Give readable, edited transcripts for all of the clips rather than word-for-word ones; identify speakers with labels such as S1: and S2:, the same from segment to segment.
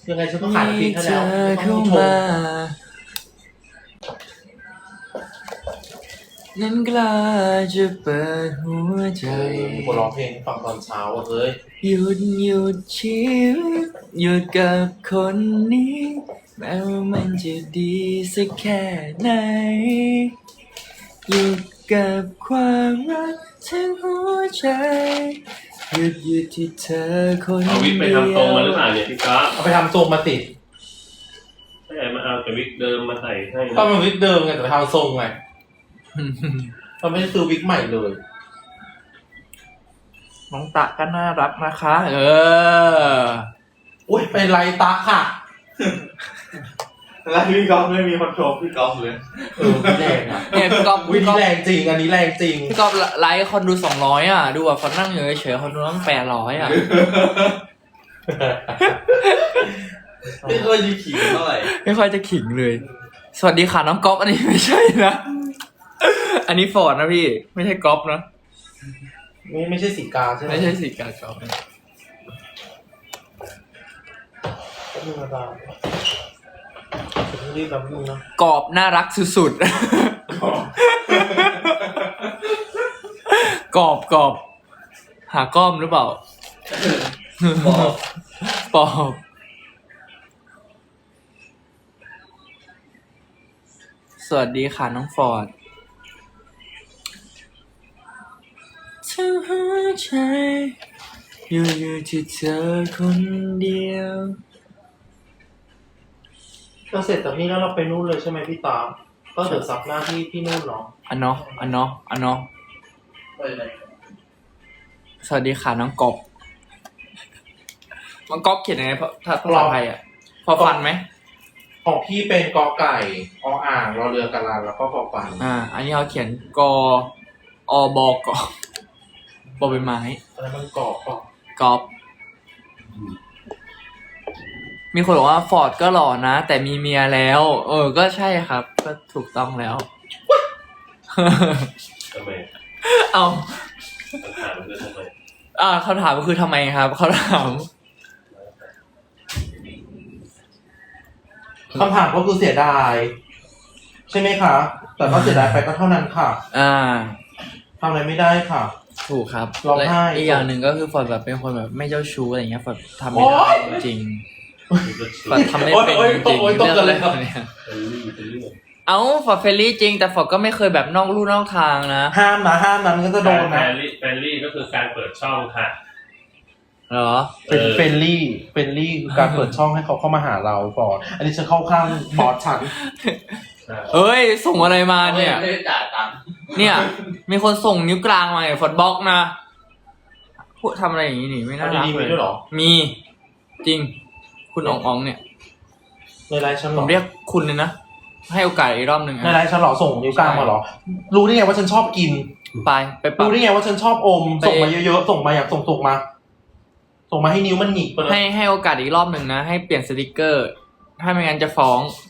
S1: ยังไงฉันก็ขายน้ำพริกให้
S2: เธ
S1: แล้ว
S2: อ
S1: ไม่ต้
S2: เข้า
S1: องช
S2: มาม นั้นกล้าจะเปิดหัวใจ
S1: มีคนร้องเพลงให้ฟังตอนเช้าอ่ะเฮ้ย
S2: หยุดชีวิตหยุดกับคนนี้แม้ว่ามันจะดีสักแค่ไหนหยุดกับความรักทั้งหัวใจหยุดที่เธอคน
S3: เอาวิกไป
S2: เดีย
S3: ทำตรงมาหรือ
S2: ว
S3: เปล่าเนี่ยพี่ก๊อฟ
S1: เอาไปทำทรงมาติด
S3: ไม่ใช่มาเอาแต่วิกเดิมมาใส่ให้
S1: ก็
S3: นะ
S1: มันวิกเดิมไงแต่ไปทำทรงไงเราไม่ได้ซื้อวิกใหม่เลย
S2: น้องตะก็น่ารักนะคะ
S1: อุ้ยเป็นไรตาค่ะ
S4: แล้วพี่ก๊อฟไม่มีคอนโทรลพี่ก๊อฟเลย
S1: วิแรงอ่ะ
S2: เนี่ยพี่ก๊อฟ
S1: วินี้แรงจริง อันนี้แรงจริง
S2: พี่ก๊อฟไลฟ์คนดู200อ่ะดูอ่ะคนนั่งอยู่เฉยๆคนดูตั้ง800อ่ะ
S4: ไม่เคยดีขี่เท่าไหร่
S2: ไม่ค่อยจะขิงเลย สวัสดีค่ะน้องก๊อฟอันนี้ไม่ใช่นะ อันนี้ฟอร์ดนะพี่ ไม่ใช่ก๊อฟนะ
S1: ไม่ใช่สีกาใช่ไหม
S2: ไม่ใช่สีกาก๊อฟนะ
S1: ก็ธรรมดารีบแบบนึงนะ
S2: กรอบน่ารักสุดๆ กรอบหาก้อมหรือเปล่า ปอบสวัสดีค่ะน้องฟอร์ดทั้งหัวใจอยู่ที่เธอคนเดียว
S1: เราเสร็จจากนี้แล้วเราไปนู่นเลยใช่ไหมพี่ตาก็เดี๋ยวซับหน้าที่นู่นเนาะ
S2: อันเนาะ
S4: ไปไหน
S2: สวัสดีค่ะน้องกบน้องกบเขียนยังไงภาษาไทยอ่ะ พอฟันไหม
S1: ของพี่เป็นกอไก่ออ่างรอเรือกะลาแล้วก็พอฟัน
S2: อันนี้เขาเขียนกอบกบอใบไม้
S1: อะไรมันกรอบป่ะ
S2: กอบมีคนบอกว่าฟอร์ดก็หล่อนะ แต่มีเมียแล้ว ก็ใช่ครับ ก็ถูกต้องแล้ว
S3: ทำไม
S2: เอา
S3: คำถามคือทำไม
S2: คำถามก็คือทำไมครับเขาถาม
S1: คำถามก็คือเสียดาย ใช่ไหมคะ แต่ก็เสียดายไปก็เท่านั้นค่ะทำอะไรไม่ได้ค่ะ
S2: ถูกครับ
S1: ร้องไห้
S2: และอีกอย่างหนึ่งก็คือฟอร์ดแบบเป็นคนแบบไม่เจ้าชู้อะไรอย่างเงี้ยฟอร์ดทำไม่ได้จริงฟอร์ดทำไม่เป็นจริงเรื่องอะไรแบบเนี้ย
S3: เป็นเรื่อง
S2: เอ้าฟอร์ดเฟรนลี่จริงแต่ฟอร์ดก็ไม่เคยแบบนอกลู่นอกทางนะ
S1: ห้ามนะมันก็จะโดน
S3: แฟ
S1: นะ
S3: นลี่ก็คือการเปิดช่องค่ะ
S2: เหรอ
S1: เป็นเฟรนลี่คือการเปิดช่องให้เขาเข้ามาหาเราก่อนอันนี้ฉันเข้าข้างบอสฉัน
S2: เอ้ยส่งอะไรมาเนี่ย
S4: ไม่ได้จ่ายตังค์
S2: เนี่ย มีคนส่งนิ้วกลางมาฟอร์ดบล็อกนะพูดทำอะไรอย่างนี้นี่ไม่น่ารัก
S1: ดีๆ
S2: เล
S1: มี
S2: ย
S1: ด้วยเหรอ
S2: มีจริง คุณอ๋องเนี่ย
S1: ในไลน์ฉัน
S2: ผ
S1: เหรอ
S2: มเรียกคุณเลยนะให้โอกาสอีกรอบหนึ่ง
S1: ในไลน์ฉันเหรอส่งนิ้วกลางมาเหรอ รู้ได้ไงว่าฉันชอบกิน
S2: ไปปรับ
S1: รู้ได้ไงว่าฉันชอบอม
S2: ไป
S1: ส่งมาเยอะๆส่งมาอยากส่งมา ส่งมาให้นิ้วมันหงิกไปเลย
S2: ให้โอกาสอีกรอบหนึ่งนะ ให้เปลี่ยนสติกเกอร์ ถ้าไม่งั้นจะฟ้อง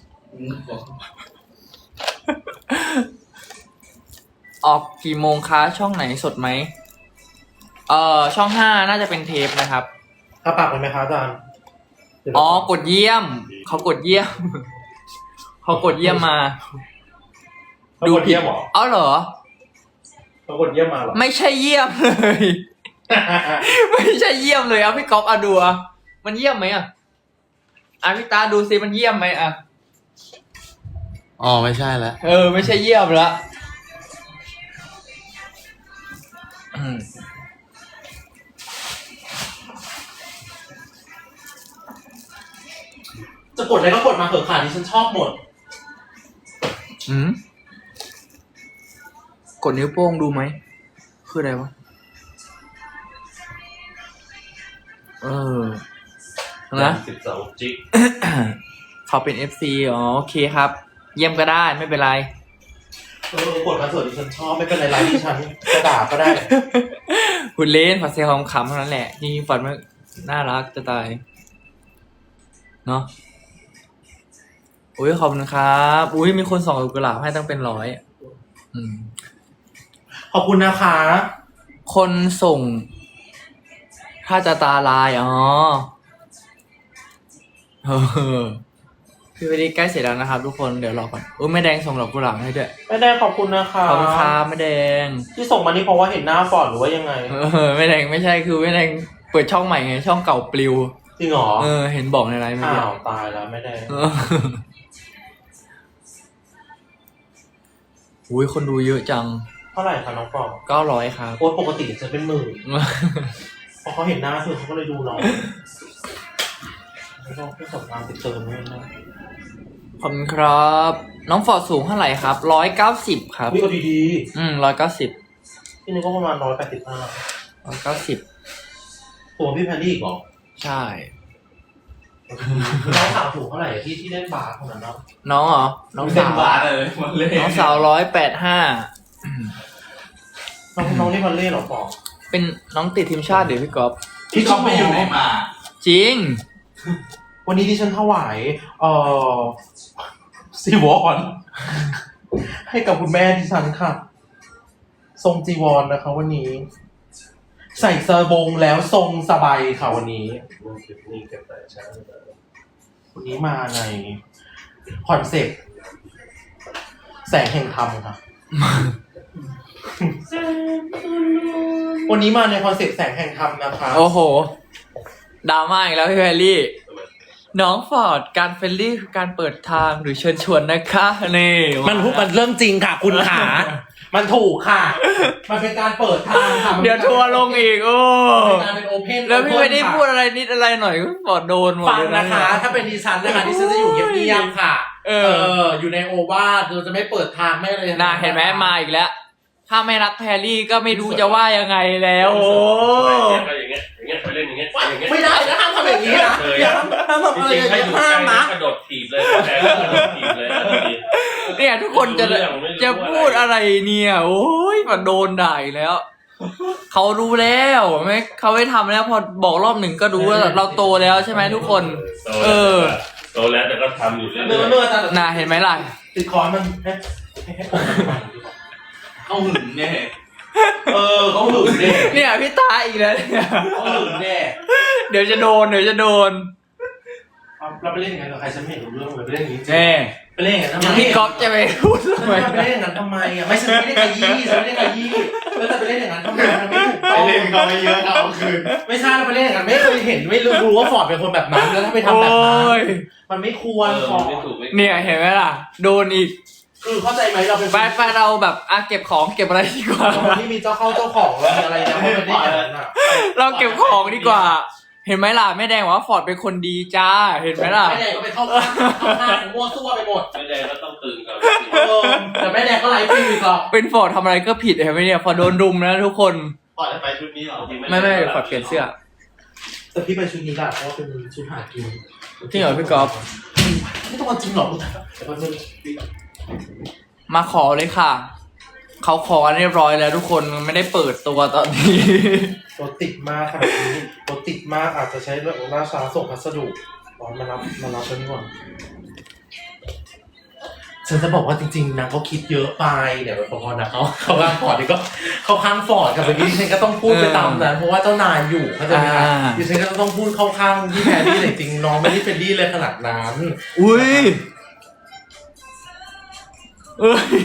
S2: ออกกี่โมงคะช่องไหนสดไหมช่อง5น่าจะเป็นเทปนะครับ
S1: ถ้าปากเป็นไหมคะอาจารย์
S2: กดเยี่ยม เขากดเยี่ยม เขากดเยี่ยมมา
S1: เขากดเยี่ยมเหรอ
S2: เอาเหรอ
S1: เขากดเยี่ยมมาเหรอ
S2: ไม่ใช่เยี่ยมเลย ไม่ใช่เยี่ยมเลยอ่ะพี่ก๊อฟดูอ่ะมันเยี่ยมไหมอ่ะพี่ตาดูซิมันเยี่ยมไหมอ่ะ
S4: อ๋อไม่ใช่แล้ว
S2: ไม่ใช่เยี่ยมละ
S1: จะกดอะไรก็กดมาเถอะค่ะที่ฉันชอบหมด
S2: กดนิ้วโป้งดูไหมคืออะไรวะนะ
S3: 12 จิก
S2: เขาเป็น FC โอเคครับ เยี่ยมก็ได้ไม่เป็นไร
S1: กดมาเถอะที่ฉันชอบไม่เป็นไรไลน์ที่ฉันจะด่าก็ได้
S2: คุณเล่นฝัดเซลล์ขำๆเท่านั้นแหละจริงๆฝัดมันน่ารักจะตายเนาะอุ้ยขอบคุณครับอุ้ยมีคนส่งกุหลาบให้ตั้งเป็น100
S1: ขอบคุณนะคะ
S2: คนส่ง ถ้าจะตาลายพี่วันนี้ใกล้เสร็จแล้วนะครับทุกคนเดี๋ยวรอก่อนแม่แดงส่งดอกกุหลาบให้ด้วย
S1: แม่แดงขอบคุณนะคะ
S2: ขอบคุณครับแม่แดง
S1: ที่ส่งมานี่เพราะว่าเห็นหน้าฟอร์ดหรือว่ายังไง
S2: แม่แดงไม่ใช่คือแม่แดงเปิดช่องใหม่ไงช่องเก่าปลิว
S1: จริงเหรอ
S2: เห็นบอกในไลน์เมื่อกี้
S1: อ้าวตายแล้วแม่แดง
S2: อุ้ยคนดูเยอะจัง
S1: เท่าไหร่คะน้องฟอร์ด
S2: 900ครับ
S1: โอ้ปกติจะเป็นหมื่นพอเขาเห็นหน้าเธอเขาก็เลยดูน้องไม่ต้องสอบตามติดเติมด้วยนะ
S2: ขอบคุณครับ น้องฟอร์ดสูงเท่าไหร่ครับ190ครับ
S1: นี่ก็ดี
S2: 190
S1: ๆพี่นี่ก็ประมาณ185
S2: 190
S1: ตัวพี่แพนดี้อีกเหรอ
S2: ใช่
S1: น้องสาวถูกเท่าไหร่ที่เล่นบาสคนนั้นเนาะ
S2: น้องเหรอน้องสาว
S4: บาสเลยมันเลย
S2: น้องสาว185
S1: น้องนี่มันเล่นเหรอปอ
S2: เป็นน้องติดทีมชาติเดี๋ยวพี่ก๊อฟ
S4: พี่ก็ไม่อยู่ไหนมา
S2: จริง
S1: วันนี้ดิฉันถวายซีวรให้กับคุณแม่ดิฉันค่ะ ทรงจีวรนะคะ วันนี้ ใส่สบงแล้วทรงสบายค่ะวันนี้
S3: นี่เก็บแต่เช้า
S1: วันนี้มาในคอนเซ็ปต์แสงแห่งธรรมค่ะ วันนี้มาในคอนเซ็ปต์แสงแห่งธรรมนะคะ
S2: โอ้โหดราม่าอีกแล้วพี่แพรรี่ น้องฟอร์ดการเฟรนลี่คือการเปิดทางหรือเชิญชวนนะคะนี่
S1: มันเริ่มจริงค่ะ คุณขา มันถูกค่ะ มันเป็นการเปิดทางค่ะ
S2: เดี๋ยวทัวร์ลงอีกโอ้
S1: เป็นการเป็นโอเพน
S2: แล้วพี่ไม่ได้พูดอะไรนิดอะไรหน่อยก็ฟอร์ดโดนหมด
S1: ฟัง
S2: เลย
S1: นะคะ ถ้าเป็นดิฉันนะคะดิฉันจะอยู่เงียบๆค่ะ อยู่ในโอวาทเราจะไม่เปิดทางไม่เลย
S2: น่าเห็นไหมมาอีกแล้ว ถ้าไม่รักแพรรี่ก็ไม่รู้จะว่ายังไงแล้วโอ้
S3: อย่างเงี้ยไปเล่นอย่างเงี้ยอย่างเงี้ย
S1: ไม่ได้นะห้ามทำอย่างนี้นะอย่าห้ามทำอะไรอย่าง
S3: ใคร
S1: นี้
S3: อยู่
S1: ห้า
S3: ใกล้
S1: มนะ
S3: กระโดดถีบเลยแต่กระโดดถีบเลย
S2: เนี่ยทุกคนจะพูดอะไรเนี่ยโอ้ยมาโดนด่าอีกแล้วเขารู้แล้วไม่เขาไม่ทำแล้วพอบอกรอบหนึ่งก็รู้ว่าเราโตแล้วใช่ไหมทุกคน
S3: โตแล้วแต่ก็ทำอยู่เรื่
S1: เนื้อ
S3: อย
S1: เนื้อแต่
S2: น่าเห็นไหมล่ะ
S1: ติดคอมันให้ผม
S4: เขาหึงเนี่ย
S1: เขาหึงเด็ก
S2: เนี่ยพี่ตาอีกแล้วเนี่ย
S1: เขาหึงเด็ก
S2: เดี๋ยวจะโดน
S1: เราไปเล่นอย่างนั้นกับใครฉันไม่เห็นรู้เรื่องเลยไปเล่นอย่างนี้
S2: แน่
S1: ไปเล่นอย่างนั้นทำไม
S2: พี่ก๊อฟจะไปพูดทำไม
S1: ไปเล่นอย่างนั้นทำไมอ่ะไม่ฉันไม่ได้ขยี้ฉันไม่ได้ขยี้แล้วจะไปเล่นอย่างนั้นทำไมมันไม่ถูก
S4: ไป
S1: ต้อง
S4: เล่นเขาไม่เยอะเขาเอาคืน
S1: ไม่ใช่เราไปเล่นอย่างนั้นไม่เคยเห็นไม่รู้ว่าฟอร์ดเป็นคนแบบนั้นแล้วถ้าไปทำแบบนั้น
S2: โอ้ย
S1: มันไม่ควรฟอร์ด
S3: ไม่ถูกไม่
S2: เนี่ยเห็นไหมล่ะ โดนอีก
S1: คือเข้าใจไหมเราเป็น
S2: ไปเราแบบเก็บของเก็บอะไรดีกว่า
S1: คนที่มีเจ้าเข้าเจ้าของแล้วมีอะไรนะเพราะมันได้อย่างนั้นอ่ะ
S2: เราเก็บของดีกว่า เห็นไหมล่ะแม่แดงว่าฟอร์ดเป็นคนดีจ้า เห็นไหมล่ะ
S1: แม่แดงก็ไปเข้าข้างมั่วซั่วไปหมด
S3: ไม่ได้ก็ต้องตื่นก่อน
S1: แต่แม่แดงก็ไลฟ์ฟรีอีกหรอก
S2: เป็นฟอร์ดทำอะไรก็ผิดเห็นไหมเนี่ยพอโดนรุมนะทุกคน
S4: ปล่อยให้ไปชุดนี้เหรอ
S2: ไม่ฟอร์ดเปลี่ยนเสื้อ
S1: แต่พี่ไปชุดนี้แหละเพราะว่าเป็นชุดหากิน
S2: จริงเหรอพี่ก๊อฟ
S1: ไม่ต้องมาจริงหรอกแต่ว่าเป็น
S2: มาขอเลยค่ะ เขาขอกันเรียบร้อยแล้วทุกคนมันไม่ได้เปิดตัวตอนนี้
S1: รถติดมากขนาดนี้รถติดมากอาจจะใช้เรื่องของล่าช้าส่งพัสดุตอนมารับแล้วนี่ก่อนฉันจะบอกว่าจริงๆนางก็คิดเยอะไปเดี๋ยวพอนะเขาข้างฟอร์ดนี่ก็เขาข้างฟอร์ดกับเมื่อกี้ดิฉันก็ต้องพูดไปตามนั้นเพราะว่าเจ้านายอยู่เข้าใจไหมคะดิฉันก็ต้องพูดเข้าข้างที่แพรรี่แต่จริงน้องไม่ได้เป็นดี้เลยขนาดนั้น
S2: อุ้ยเอ้ย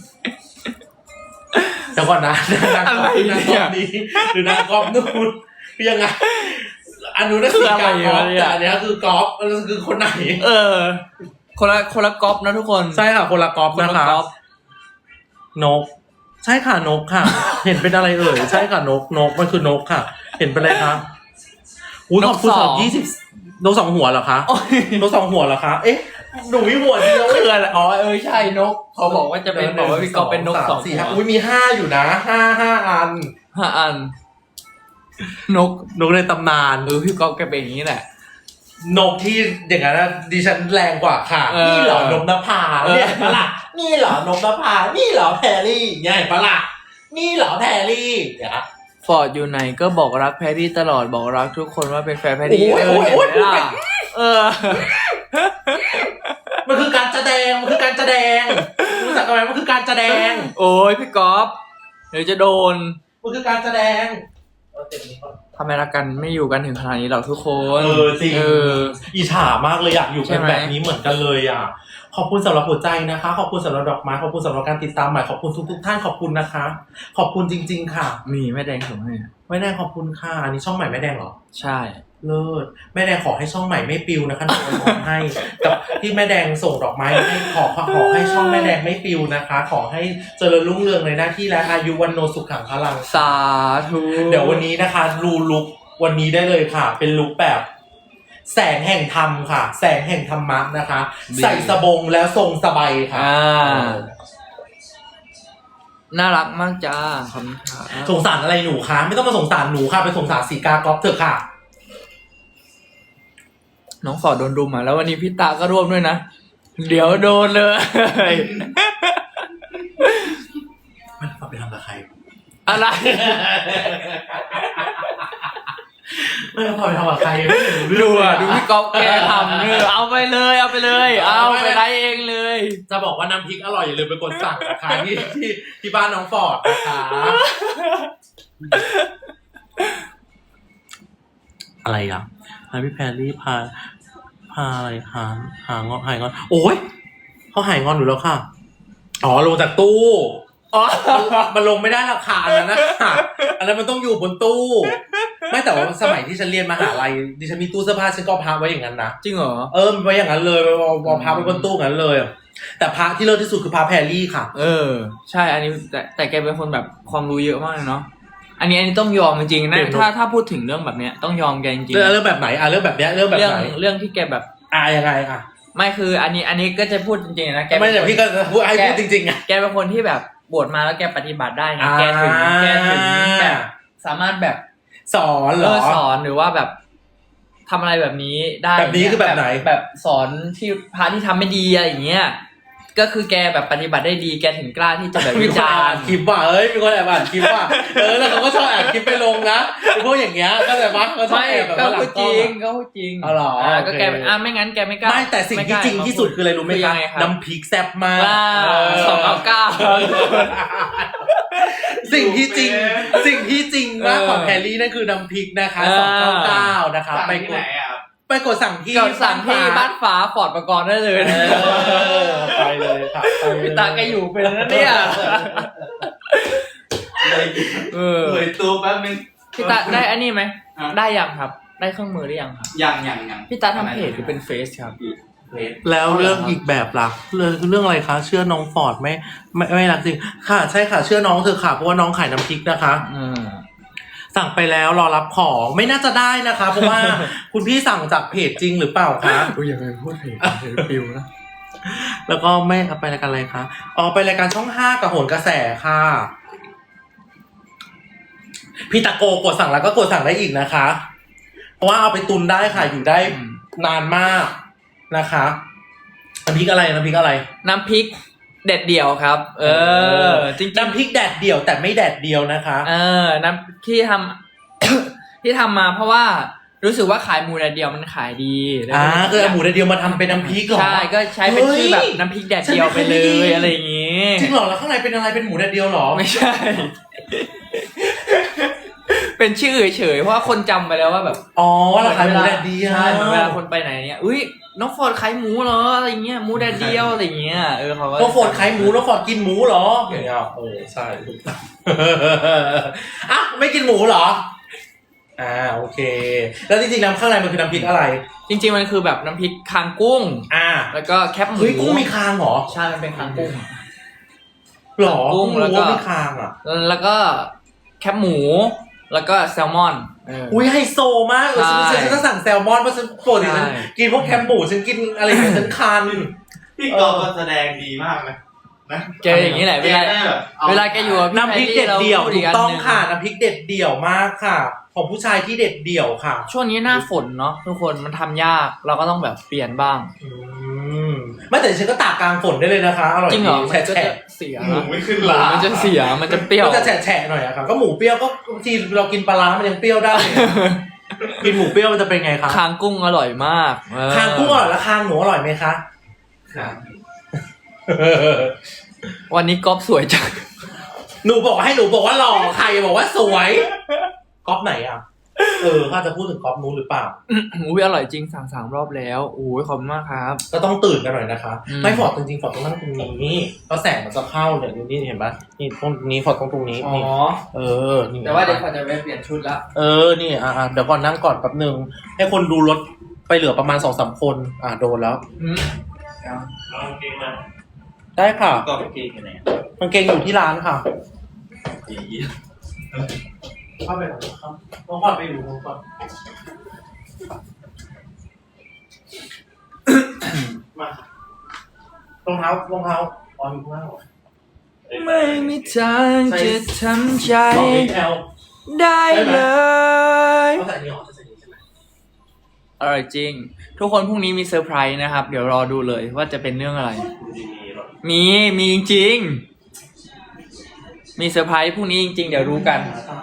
S1: แต่ก่อนนะนาง
S2: อะไร
S1: นาง
S2: เนี่
S1: กอย บนี้หรือนางกอบนู่นคือยังไงอันนู้นนั่นคือการกอล์ฟแต่อันนี้คือกอล์ฟมันคือคนไหน
S2: คนละก๊อปนะทุกคน
S1: ใช่ค่ะคนละกอล์ฟ
S2: คน
S1: นะ
S2: ละ
S1: คะ
S2: ก๊อป
S1: นก ใช่ค่ะนกค่ะ เห็นเป็นอะไรเอ่ยใช่ค่ะนกมันคือนกค่ะ เห็นเป็นอะไรคะอุ้ยขอบคุณสำหรับ20นก2 หัวเหรอคะ
S2: โอ้ย
S1: นก2 หัวเหรอคะเอ๊ะหนูมีหัวเดียว
S2: คืออะไรอ๋อใช่นกเขาบอกว่าจะเป็นบอกว่าพี่ก๊อฟเป็นนก
S1: 1 2 3
S2: 2
S1: 4
S2: หัว
S1: 5อุ้ยมี5อยู่นะ5อัน
S2: 5 อันนก
S1: ในตำนาน
S2: พี่ก๊อฟแกเป็นอย่างนี้แหละ
S1: นกที่อย่างนั้นนะดิฉันแรงกว่าค่ะ นี่เหรอนกนภาเนี่ยปะล่ะนี่เหรอนกนภานี่เหรอแพรรี่เนี่ยปะล่ะนี่เหรอแพรรี่เดี๋ยว
S2: ฟอร์ดอยู่ไหนก็บอกรักแพรรี่ตลอดบอกรักทุกคนว่าเป็นแฟนแพรรี่
S1: โอ้ย
S2: เห็น
S1: โอ้ย
S2: ไหมล่ะ
S1: มันคือการแสดงรู้จักกันไหมมันคือการแสดง
S2: โอ้ยพี่ก๊อฟเดี๋ยวจะโดน
S1: มันคือการแสดงเอาเต็มนี้ก่อน
S2: ทำไมรักกันไม่อยู่กันถึงขนาดนี้หรอกทุกคน
S1: จริงอิจฉามากเลยอยากอยู่กันแบบนี้เหมือนกันเลยอ่ะขอบคุณสำหรับหัวใจนะคะขอบคุณสำหรับดอกไม้ขอบคุณสำหรับการติดตามใหม่ขอบคุณทุกท่านขอบคุณนะคะ ขอบคุณจริงๆค่ะ
S2: มีแม่แดงส่งให้
S1: แม่แดงขอบคุณค่ะอันนี้ช่องใหม่แม่แดงเหรอ
S2: ใช่
S1: เลิศแม่แดงขอให้ช่องใหม่ไม่ปิวนะคะหนูขอให้กับที่แม่แดงส่งดอกไม้ให้ขอให้ช่องแม่แดงไม่ปิวนะคะ ขอให้เจริญรุ่งเรืองในหน้าที่และอายุวันโนสุขขังพลัง
S2: สาธุ
S1: เดี๋ยววันนี้นะคะดูลุควันนี้ได้เลยค่ะ เป็นลุคแบบแสงแห่งธรรมค่ะ แสงแห่งธรรมะนะคะ ใส่สบงแล้วทรงสบายค่ะ
S2: น่ารักมากจ้าขอบคุณค่ะ
S1: สงสารอะไรหนูคะไม่ต้องมาสงสารหนูค่ะไปสงสารสีกากรอบเถอะค่ะ
S2: น้องฟอร์ดโดนรุมอ่ะแล้ววันนี้พี่ตาก็ร่วมด้วยนะ เดี๋ยวโดนเลย
S1: มันเอาไปทำกับใคร
S2: อะไร
S1: ไม่เอาไปทำกับใครไม่รู้
S2: ดู
S1: เรื่อง
S2: อ่ะ
S1: อะ
S2: ดูพี่ก๊อฟแกทำเอาไปเลยเอาไปไล่เองเลย
S1: จะบอกว่าน้ำพริกอร่อยอย่าลืมไปกดสั่งนะคะที่บ้านน้องฟอร์ดนะคะอะไรอ่ะพี่แพรรี่พาอะไรหางอนหายงอนโอ้ยเขาหายงอนอยู่แล้วค่ะอ๋อลงจากตู้อ๋อมันลงไม่ได้ราคาอันนั้นนะอันนั้นมันต้องอยู่บนตู้ไม่แต่ว่าสมัยที่ฉันเรียนมหาลัยดิฉันมีตู้เสื้อผ้าฉันก็พับไว้อย่างนั้นนะ
S2: จริงเหรอ
S1: มันไว้อย่างนั้นเลยวางพับไว้บนตู้อย่างนั้นเลยแต่พระที่เลิศที่สุดคือพระแพรรี่ค่ะ
S2: ใช่อันนี้แต่แกเป็นคนแบบความรู้เยอะมากเลยเนาะอันนี้ต้องยอมจริงๆนะถ้าพูดถึงเรื่องแบบเนี้ยต้องยอมแกจริงๆ
S1: เรื่องแบบไหนเรื่องแบบเนี้ยเรื่องแบบไหน
S2: เรื่องที่แกแบบ
S1: ยังไง
S2: ไม่คืออันนี้ก็จะพูดจริงๆนะแก
S1: ไม่แต่พี่ก็พูดให้พูดจริงๆอ่ะ
S2: แกเป็นคนที่แบบบวชมาแล้วแกปฏิบัติได้ไงแกถึงแบบสามารถแบบ
S1: สอนเหรอ
S2: สอนหรือว่าแบบทำอะไรแบบนี้ได้
S1: แบบนี้คือแบบไหน
S2: แบบสอนที่พระที่ทำไม่ดีอะไรอย่างเงี้ยก็คือแกแบบปฏิบัติได้ดีแกถึงกล้าที่จะแบบวิจารณ์
S1: คลิปว่ะมีคนแอบอ่านคลิปว่ะแล้วเขาก็ชอบแอบคลิปไปลงนะพวกอย่างเงี้ยก็แต่ว่าเขาชอบแอบแบบว่าหลังกล้อง
S2: ก็พูดจริง
S1: อ๋อเหรอ
S2: ก็แกไม่งั้นแกไม่กล้า
S1: ไม่แต่สิ่งที่จริงที่สุดคืออะไรรู้ไหมคะน้ำพริกแซ่บมาก
S2: 299
S1: สิ่งที่จริงมากของแพรรี่นั่นคือน้ำพริกนะคะ299นะคะไปกดสั่งที่
S2: บ้านฟ้าฟอร์ดประกรณ์ได้เลย
S1: ไปเลยค่ะ
S2: พี่ตาแกอยู่เป็นแล้วเนี่ย
S4: เลยตู้แป๊บนึง
S2: พี่ตาได้อันนี้ไหมได้ยังครับได้เครื่องมือหรือยังครับ
S4: ยัง
S2: พี่ตาทำเพจหรือเป็นเฟซครับ
S1: แล้วเรื่องอีกแบบล่ะเรื่องอะไรคะเชื่อน้องฟอร์ดไม่รักจริงค่ะใช่ค่ะเชื่อน้องเธอค่ะเพราะว่าน้องขายน้ำพริกนะคะสั่งไปแล้วรอรับของไม่น่าจะได้นะคะเพราะว่าคุณพี่สั่งจากเพจจริงหรือเปล่าคะ
S2: อย่าไปพูดเพจปิวนะ
S1: แล้วก็ไม่เอาไปรายการอะไรคะไปรายการช่อง5กับโหนกระแสค่ะพี่ตะโกกดสั่งแล้วก็กดสั่งได้อีกนะคะเพราะว่าเอาไปตุนได้ค่ะอยู่ได้นานมากนะคะน้ำพริกอะไรน้ำพริก
S2: แดดเดี่ยวครับจริง
S1: น้ำพริกแดดเดี่ยวแต่ไม่แดดเดียวนะคะ
S2: น้ำที่ทำที่ทำมาเพราะว่ารู้สึกว่าขายหมูแดดเดียวมันขายดี
S1: คือเอาหมูแดดเดียวมาทำเป็นน้ำพริกเหรอ
S2: ใช่ก็ใช้เป็นชื่อแบบน้ำพริกแดดเดียวไปเลยอะไรอย่างงี้
S1: จริงเหรอแล้วข้างในเป็นอะไรเป็นหมูแดดเดียวเหรอ
S2: ไม่ใช่เป็นชื่อเฉยๆเพราะว่าคนจำไปแล้วว่าแบบ
S1: ว่าเราขายหมูแดดเดียว
S2: ใช่เวลาคนไปไหนเนี่ยอุ้ยน้องฟอร์ดขายหมูเหรออะไรเงี้ยหมูแดดเดียวอะไรเงี้ยเขาก็
S1: น้องฟอร์ดขายหมูน้องฟอร์ดกินหมูเหรออย่างเงี้ยใช่ถูกต้องไม่กินหมูเหรอโอเคแล้วจริงๆน้ำข้างในมันคือน้ำพริกอะไร
S2: จริงๆมันคือแบบน้ำพริกคางกุ้งแล้วก็แคบหมู
S1: กุ้งมีคางเหรอ
S2: ใช่มันเป็นคางกุ้ง
S1: หรอกุ้งแล้วก็มีคาง
S2: แล้วก็แคบหมูแล้วก็แซลมอน
S1: ไฮโซมากฉันก็สั่งแซลมอนเพราะฉันปกติฉันกินพวกแคมหมูฉันกินอะไรอย่างเงี้ยฉันคัน
S4: พี่กอก็แสดงดีมากนะ
S2: แกอย่างนี้แหละเวลาแกอยู่
S1: น้ำพริกเด็ดเดี่ยวถูกต้องค่ะน้ำพริกเด็ดเดี่ยวมากค่ะของผู้ชายที่เด็ดเดี่ยวค่ะ
S2: ช่วงนี้หน้าฝนเนาะทุกคนมันทำยากเราก็ต้องแบบเปลี่ยนบ้าง
S1: ไม่แต่ฉันก็ตากกลางฝนได้เลยนะคะอร่อย
S2: จริงเหรอ
S1: แฉะ
S2: เสีย
S4: หมูไม่ขึ้นลา
S2: มันจะเสียมันจะเปรี้ยว
S1: มันจะแฉะหน่อยอะค่ะก็หมูเปรี้ยวก็บางทีเรากินปลาร้ามันยังเปรี้ยวได้กินหมูเปรี้ยวมันจะเป็นไงคะ
S2: คางกุ้งอร่อยมาก
S1: คางกุ้งอร่อยแล้วคางหมูอร่อยไหมคะ
S2: วันนี้ก๊อฟสวยจัง
S1: หนูบอกว่าหล่อใครบอกว่าสวยก๊อฟไหนอ่ะถ้าจะพูดถึงกอล์ฟนู้นหรือเปล่า
S2: อุ้ยอร่อยจริงสั่ง3 รอบแล้วโอ้ยขอบคุณมากครับ
S1: ก็ต้องตื่นกันหน่อยนะคะ
S2: อืม
S1: ไม่ฟอร์ดจริงๆฟอร์ดต้องนั่งตรงนี้ก็แสงมันจะเข้าเนี่ยนี่เห็นปะนี่ตรงนี้ฟอร์ดตรงนี้
S2: อ๋อ
S1: นี่นี่
S2: แต่ว่าเดี๋ยวขอจะไปเปลี่ยนชุดละ
S1: นี่เดี๋ยวก่อนนั่งก่อนแป๊บนึงให้คนดูรถไปเหลือประมาณ 2-3 คนโดนแล้ว
S3: เอากางเกงมา
S1: ได้ค่ะ
S4: ก็ไปเกงกันไหน
S1: กางเกงอยู่ที่ร้านค่ะ
S4: อี
S1: เข้าไปก่อนครับต้องก่อนไปอยู่ก่อนมารองเท้อ๋ออยู่ข้างล่างเหรอ
S2: ไม่มีทางจะทำใจ
S1: บอกเองแอล
S2: ได้เลย
S1: เขาใส่นี่หรอใส่นี่ใช่ไหม
S2: อร่อยจริง ทุกคนพรุ่งนี้มีเซอร์ไพรส์นะครับ เดี๋ยวรอดูเลยว่าจะเป็นเรื่องอะไร มีจริงๆมีเซอร์ไพรส์พรุ่งนี้จริงๆเดี๋ยวรู้กัน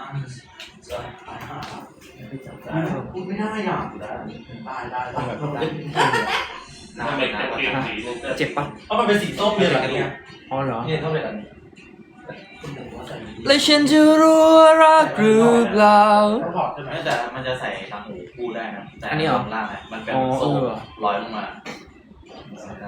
S1: พูดไม่ได้อ่ะได้
S3: ทำไมกางเกงสีนึง
S2: เจ็บปะ
S1: เพราะมันเป็นสีส้มเลยแบบนี้
S2: อ๋อเหรอ
S1: เนี่ยต้องเป็นแบบนี้
S2: และฉันจะรู้ว่ารักหรือเปล่า
S1: ต้องถอดใช่ไหม
S4: แต่มันจะใส่ทางหูคู่ได้นะแต่
S2: อันนี้เหรอ
S4: ข้างล่างอะมันเป็น
S2: อ๋อ
S4: โซ่
S2: เออ
S4: ลอยลงมาได้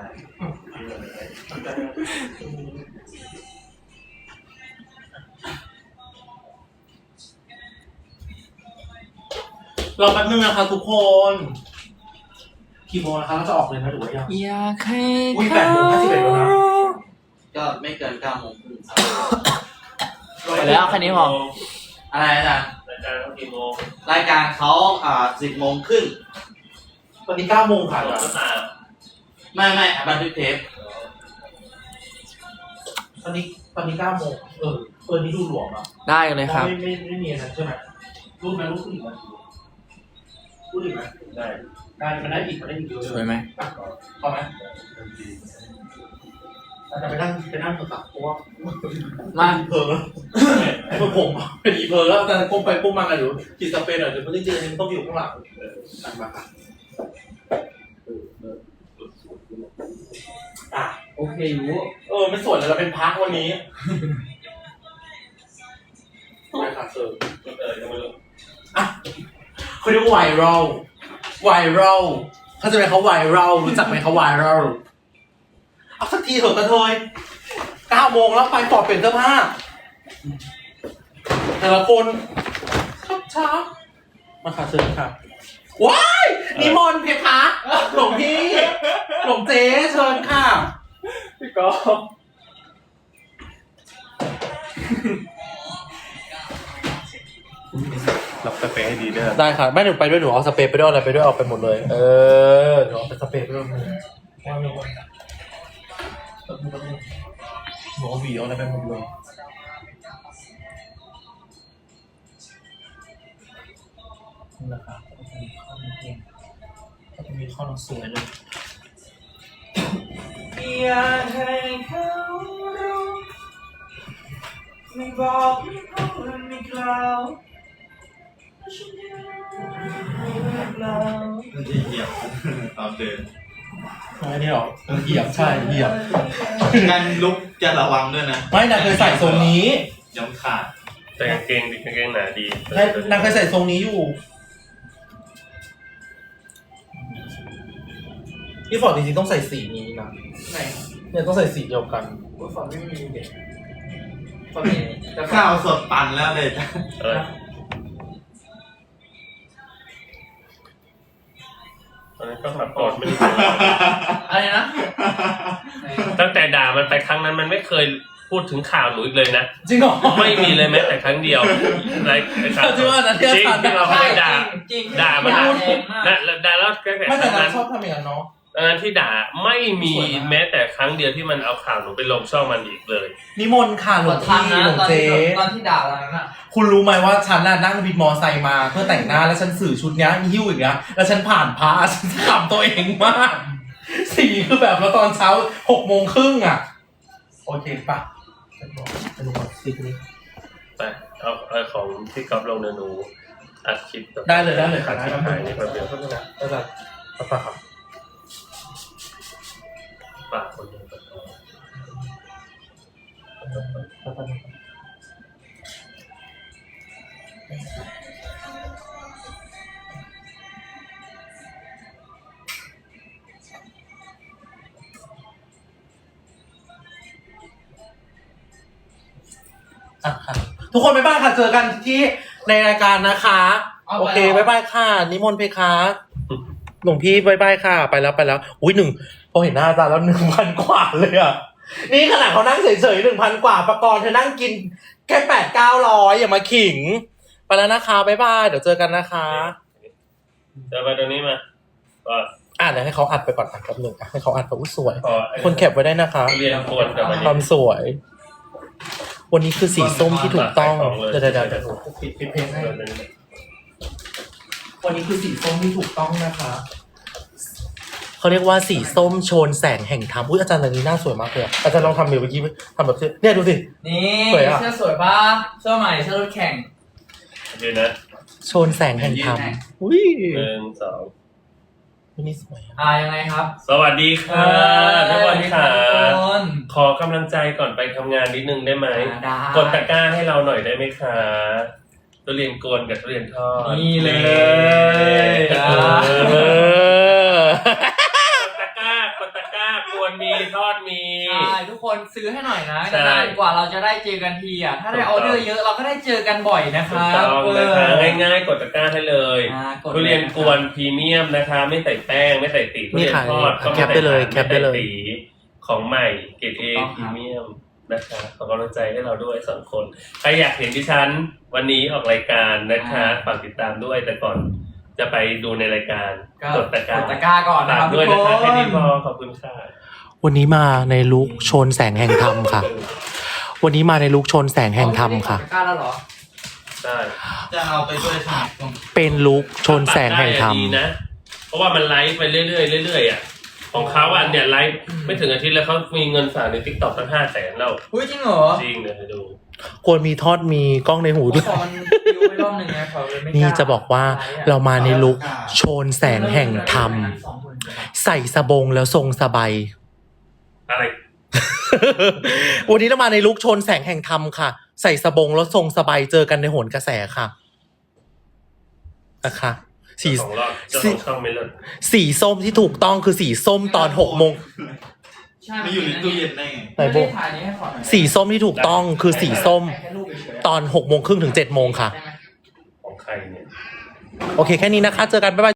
S1: รอแป๊บนึงนะคะทุกคนกี่โมงนะคะเราจะออกเลยนะหรือว่ายัง
S2: อยากให้
S1: อุ๊ย
S2: เขา
S1: 8:51แล้วนะ
S4: ก็ไม่เกิน9 โมงครึ่งครับ
S2: ไปแล้วแค่นี้พอ
S4: อะไรอาจารย์
S3: รายการเขากี่โมง
S4: รายการเขา10 โมงครึ่ง
S1: ตอนนี้9 โมงค่ะ
S3: หมดหรือเปล่า
S4: ไม่บันทึกเทป
S1: ตอนนี้9 โมงนี่ดูหลวมอ่ะ
S2: ได้เลยครับ
S1: ไม่มีนะใช่ไหมรูปไหมรูปผู้หญิงไหมรูปหญิงไหม
S3: ได้
S1: ได้มันได้อีกเยอะ
S2: สวยไหม
S1: พอไหมแต่ไปนั่งโทรศัพท์เพราะว่า
S2: มา
S1: เพอผมเป็นอีเพอแล้วแต่ก้มไปก้มมากันอยู่จิตสเปนหน่อยเดี๋ยวจริงๆมันต้องอยู่ข้างหลังนั่งมาค่ะ
S2: โอเคอยู่
S1: ไม่สวยเลยเราเป็นพักวันนี้ไม่ค่ะเซอร์
S3: ยังไม่รู้
S1: เขาเรียกว่าไวรัลเขาจะเป็นเขาไวรัลรู้จักไหมเขาไวรัลเอาสักทีเถอะกระเทย9 โมงแล้วไปปอดเปลี่ยนเสื้อผ้าแต่ละคนช้ามาค่ะเชิญค่ะว้ายนิมนต์เพคะหลวงพี่หลวงเจ๊เชิญค่ะ
S2: พี่กอล์ฟ
S3: รับสเปรย์ให้ดีเด้อ
S1: ได้ค่ะไม่หนูไปด้วยหนูเอาสเปรย์ไปด้วยอะไรไปด้วยเอาไปหมดเลยหนูเอาไปสเปรย์ไปด้วยหนูเอาหวีเอาอะไรไปหมดเลยนี่นะคะก็จะมีข้อน้องสวยเลย
S2: อยากให้เขารู้ไม่บอกไม่พูดไม่กล่าวว่าฉันยังรักเรา
S4: มันจะเหยียบตอนเดิน
S1: ไม่ได้หรอเหยียบใช่เหยียบ
S4: การลุกจะระวังด้วยนะ
S1: ไม่นางเคยใส่ทรงนี้
S4: ย้ำขาด
S3: แต่กางเกงหนาดี
S1: นางเคยใส่ทรงนี้อยู่พี่ฟอร์ดจริงๆต้องใส่สีนี้นะ
S2: ไหน
S1: เนี่ยต้องใส่สีเดียวกัน
S2: คุณฝนไม่มีเด็กฝนมี
S4: ข้าวสดปั่นแล้วเลย
S3: ตอนนั้นก็ขับก่อนไม่รู้
S2: อะไรนะ
S3: ตั้งแต่ด่ามันไปครั้งนั้นมันไม่เคยพูดถึงข่าวหนูอีกเลยนะ
S1: จริงเหรอ
S3: ไม่มีเลยแม้แต่ครั้งเดียวในข่าว
S1: จริงว่านะที่
S3: จริง
S1: อาจารย์
S3: ที่เราเคยด่า
S2: จริง
S3: ด่ามัน
S2: แร
S3: พูด
S2: งมาก
S3: ด่าแล้วแค่
S1: ไม่
S3: ค
S1: แต่
S3: รั้ง
S1: นาง
S3: นั้น
S1: ชอบทำอย่างนั้นเนาะ
S3: ตอนนั้นที่ด่าไม่มี
S1: สวยมาก
S3: แม้แต่ครั้งเดียวที่มันเอาข่าวหนูไปลงช่องมันอีกเลย
S1: นิมนต์ค่ะหลวง
S2: ทำ
S1: พี่
S2: นะ
S1: หลวง
S2: ตอน
S1: เจ๊
S2: ที่ด่าเรานั้นอ่ะ
S1: คุณรู้ไหมว่าฉันน่ะนั่งวินมอไซค์มาเพื่อแต่งหน้าแล้วฉันสื่อชุดเนี้ยหิ้วอย่างเงี้ยแล้วฉันผ่านพระฉันขำตัวเองมากสีคือแบบแล้วตอนเช้า6:30อ่ะโอเคปะจะดูก่อนสีนี้
S3: ไปเอาของที่ก๊อฟลงเนยหนูอัดคลิปแบบ
S1: ได้เลยค่ะ
S3: อัดคลิปถ่ายนี่แป๊บเดียว
S1: ก็จะปะครับ
S3: ฝากคนหนึงก่อน
S1: เอ่ะค่ะทุกคนบ๊ายบายค่ะเจอกันที่ในรายการนะคะ โอเคบ๊ายบายค่ะนิมนต์เพคะหลวงพี่บ๊ายบายค่ะไปแล้วอุ้ยพอเห็นหน้าอาจารย์แล้ว 1,000 กว่าเลยอ่ะนี่ขนาดเขานั่งเฉยๆ 1,000 กว่าประกรณ์เธอนั่งกินแค่800-900อย่ามาขิงไปแล้วนะคะบ๊ายบายเดี๋ยวเจอกันนะคะ
S3: เดี๋ยวไปตรงนี้มาก็
S1: เดี๋ยวให้เขาอัดไปก่อนแป๊บนึงให้เขาอัดไปอุ้ยสวย
S3: ขอ
S1: คนแคปไว้ได้นะคะ
S3: เรียนควรกับวัน
S1: ค
S3: นี้
S1: วามสวย วันนี้คือสีส้มที่ถูกต้องเดี๋ยวปิดเพลงให้วันนี้คือสีส้มที่ถูกต้องนะคะเขาเรียกว่าสีส้มโชนแสงแห่งธรรมอุ้ยอาจารย์อันนี้หน้าสวยมากเลยอาจารย์ลองทำเมื่อกี้ทำแบบเนี่ยดูสิ
S2: นี่
S1: สวยอะ
S2: เสื้อสวยป่ะเสื้อใหม่เสื้อรถแข่ง
S3: เดี๋ยวนะ
S1: โชนแสงแห่งธรรมอุ้ย
S3: 1 2
S1: วันนี้สวย
S2: ยังไงครับ
S3: สวัสดีค่ะทุกคนค่ะ
S2: ทุกคน
S3: ขอกำลังใจก่อนไปทำงานนิดนึงได้ไหม
S2: ได้
S3: กดตะกร้าให้เราหน่อยได้ไหมคะทุเรียนกวนกับทุเรียนทอด
S2: นี่เลย
S3: กดตะกร้ากวนมีทอดมี
S2: ใช่ทุกคนซื้อให้หน่อยนะ
S3: ใช่
S2: นานๆกว่าเราจะได้เจอกันทีอ่ะถ้าได้ออเดอร์เยอะเราก็ได้เจอกันบ่อยนะค
S3: ถู
S2: รั
S3: ก
S2: บ
S3: ต้องนะคะง่ายๆกดตะกร้าให้เลย
S2: กด
S3: ทุเรียนกวนพรีเมียมนะคะ ไม่ใส่แป้งไม่ใส่ตีทุเรียนทอดก็ไม่
S1: แคปได้เลย
S3: ใส่
S1: แคปได้เลย
S3: ม่ใส่ตีของใหม่เกรดเอพรีเมียมนะคะขอกำลังใจให้เราด้วย2 คนใครอยากเห็นดิฉันวันนี้ออกรายการนะคะฝากติดตามด้วยแต่ก่อนจะไปดูในรายการกดตะกร้าก
S2: ดตะกร้าก่อนนะ
S3: ฝา
S2: ค
S3: ก
S2: รับ
S3: ด้วย
S2: ทุก
S3: นะคะ
S2: ค
S3: แค่
S2: น
S3: นี้พอขอบคุณค่ะ
S1: วันนี้มาในลุคโชนแสงแห่งธรรมค่ะ วันนี้มาในลุคโชนแสงแห่งธรรมค่ะ
S2: กดตะกร้าแล้วเหรอ
S3: ใช่
S4: จะเอาไปด้วยใช่ไหม
S1: เป็นลุคโชนแสงแห่งธรรม
S3: ดีนะเพราะว่ามันไลฟ์ไปเรื่อยๆเรื่อยๆอ่ะของเขาอ่ะเนี่ยไลฟ์ไม่ถึงอาทิตย์แล้วเขามีเงินฝากใน TikTok ตั้ง500,000แล้ว
S2: อุ้ยจริงเหรอ
S3: จริงเลยดู
S1: ควรมีทอดมีกล้องในหูด้วย
S2: ขอมันดูไปรอบหนึ่งนะขอเลยไม่กล้า
S1: นี่จะบอกว่าเรามาในลุคโชนแสงแห่งธรรม ใส่สบงแล้วทรงสบาย
S3: อะไร
S1: วันนี้เรามาในลุคโชนแสงแห่งธรรมค่ะ ใส่สบงแล้วทรงสบายเจอกันในโหนกระแสค่ะนะคะสี
S3: เจ้าของรอบเจ้าของช่องไม่เลิศ
S1: สีส้มที่ถูกต้องคือสีส้มตอน6 โมง
S2: ใช่
S4: ไม่อยู่ในตู้เย็นได้ไง
S1: ไหนโบ
S2: ไม่ได้ถ่ายนี้ให้ขอหน่อย
S1: สีส้มที่ถูกต้องคือสีส้ม
S2: แค่รูปเฉยๆ
S1: ตอน6 โมงครึ่งถึง 7 โมงค่ะ
S2: ได้ไหม
S3: ของใครเนี่ย
S1: โอเคแค่นี้นะคะ เจอกันบ๊ายบาย